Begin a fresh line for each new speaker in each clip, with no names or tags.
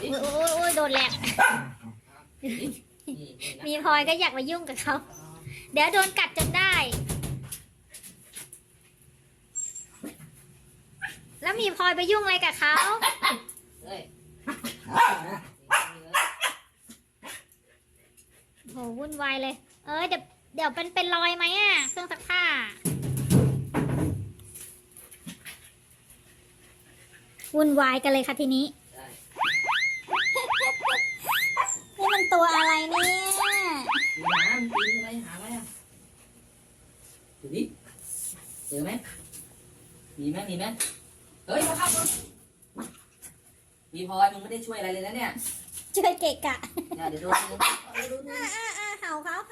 ดิ
โอ้ยโดนแหลกมีพลอยก็อยากมายุ่งกับเขาเดี๋ยวโดนกัดจนได้แล้วมีพลอยไปยุ่งอะไรกับเขาโหวุ่นวายเลยเดี๋ยวเป็นรอยไหมอ่ะเครื่องซักผ้าวุ่นวายกันเลยค่ะทีนี้นี่มันตัวอะไรเนี่ย
น้ำกินอะไรหาอะไรอ่ะดูดิเจอไหมมีไหมเฮ้ยมาครับมีพลอยมึงไม่ได้ช่วยอะไรเลยนะเนี่ย
ช่วยเกะกะ
เดี๋ยวดู
เห่าเขา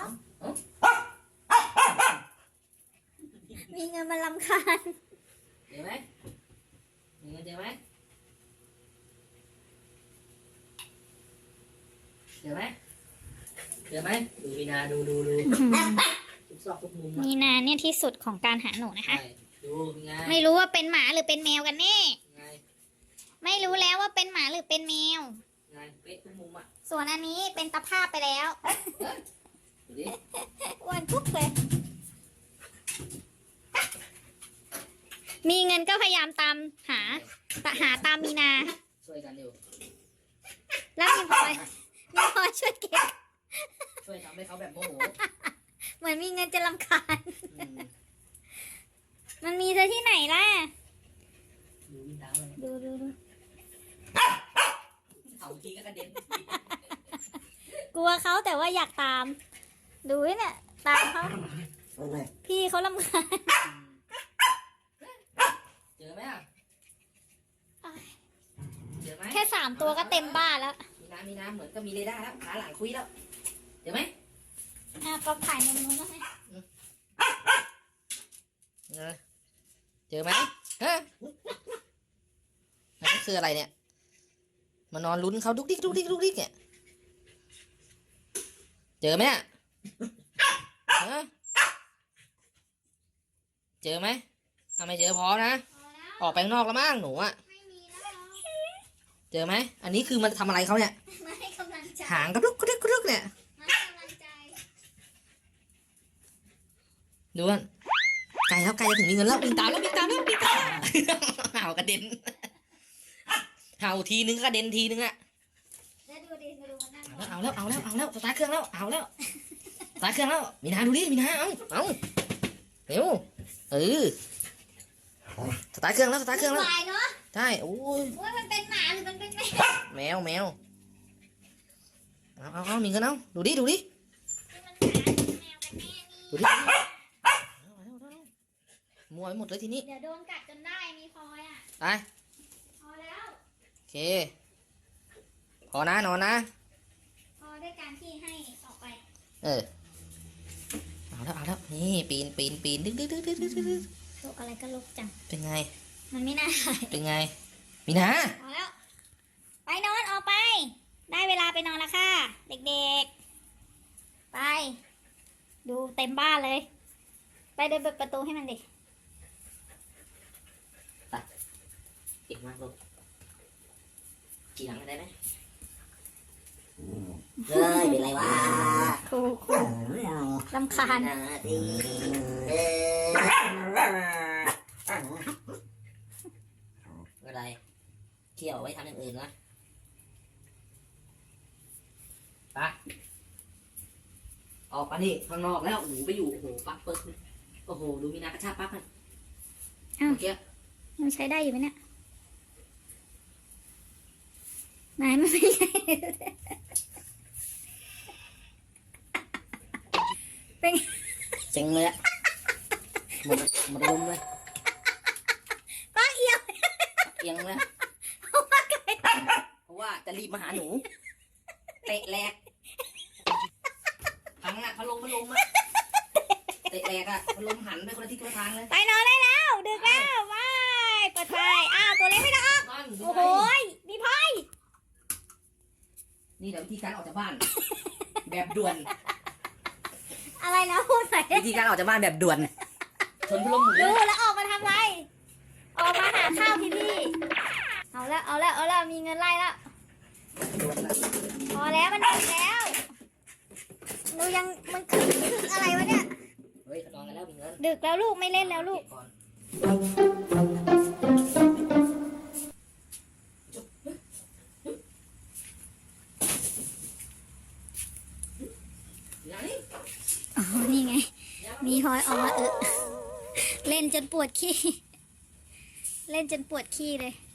มีเงินมาลำคาญ
เจอไหมมีเงินเจอไหมดูมีนาดูทุกซอกทุกมุม
มีนาเนี่ยที่สุดของการหาหนูนะคะ
ดูไง
ไม่รู้ว่าเป็นหมาหรือเป็นแมวกันแน่ไม่รู้แล้วว่าเป็นหมาหรือเป็นแมว
ไงเป๊ะทุกมุมอ่ะ
ส่วนอันนี้เป็นตะภาพไปแล้ว
ดูดิ
อ้วนปุ๊บเลยมีเงินก็พยายามตามหาตามมีนา
ช่วยกันอยู่
แล้วมีพลอยช่วยเก็บ
ช่วยทำให้เขาแบบโมโห
เหมือนมีเงินจะรำคาญมันมีเธอที่ไหนล่ะดู
เอาทีก็กระเด็น
กลัวเขาแต่ว่าอยากตามดูเนี่ยตามเขาพี่เขารำคาญ
เจอไหมอ่ะเจอไหม
แค่3 ตัวก็เต็มบ้านแล้ว
มีน้ำเหมือนก็มีเรดาร์แล้วขาหลังคุยแล้วเจอไหม
ก็ถ่ายในมือแล้วไง
เจอไหมฮะนั่นคืออะไรเนี่ยมานอนลุ้นเขาดุกดิกเนี่ยเจอไหมฮะเจอไหมถ้าไม่เจอพอนะออกไปข้างนอกแล้วมั้งหนูอ่ะเจอไหมอันนี้คือมันทำอะไรเขาเนี่ยหางกระดุกเนี่ยดูกันไกลจะถึงมีเงินแล้ววิ่งตามเห่ากระเด็นเห่าทีนึงกระเด็นทีนึงอะเอาแล้วสตาร์ทเครื่องแล้วเอาแล้วสตาร์ทเครื่องแล้วมีนาดูดิมีนาเอาเร็วสตาร์ทเครื่องแล้วใช่โอ้ย
มันเป็นหมาหรือมันเป็น
แมวเอามีเงินเอาดูดิมัวไปหมดเลยทีนี้
เดี๋ยวโดนกัดจนได้มีพลอยอ่ะ
ไป
พอแล้ว
โอเคพอนะนอนนะ
พอด้วยการที่ให้ออกไป
เอาแล้วนี่ปีนดึก
ลูกอะไรก็ลูกจัง
เป็นไง
มันไม่น่า
เป็นไงมีนา
พอแล้วไปนอนออกไปได้เวลาไปนอนแล้วค่ะเด็กๆไปดูเต็มบ้านเลยไปเดินเปิดประตูให้มันดิ
เก่งมากลูกขี่หลังได้ไหมเป็นไรวะ
ครูรำคาญ
อะไรเที่ยวไว้ทำอย่างอื่นนะไปออกมาดิข้างนอกแล้วหนูไปอยู่โอ้โหปั๊กเปิดโอ้โหดูมีนากระชากปั๊กกันเมื่อกี้
มันใช้ได้อยู่ไหมเนี่ยไหนมันไม่ใช่เป็น
เจ๋งเลยอะหมดลมเลย
ป้าเอียง
เลยเพราะว่าจะรีบมาหาหนูเตะแหลกพังอะพัดลมอะเตะแหลกอะพัดลมหันไปคนละทิศคนละทางเลย
ไปนอนได้แล้วดึกแล้วไปเปิดไฟตัวเล็กไม่ได้ออกโอ้โหมีพาย
นี่เดี๋ยววิธีการออกจากบ้านแบบด่วน
อะไรนะพูดใส่
วิธีการออกจากบ้านแบบด่วนชนพัดลมหมุน
ดูแล้วออกมาทำไรออกมาหาข้าวพี่เอาแล้วมีเงินไล่แล้วพอแล้วมันดึกแล้วหนูยังมันคืออะไรวะเนี่ย
เฮ้ยนอนกันแล้วมีเงิน
ดึกแล้วลูกไม่เล่นแล้วลูก
เก็บก่อนอย่างนี้
อ๋อ นี่ไง มีพลอยออกมาเล่นจนปวดขี้ เล่นจนปวดขี้เลย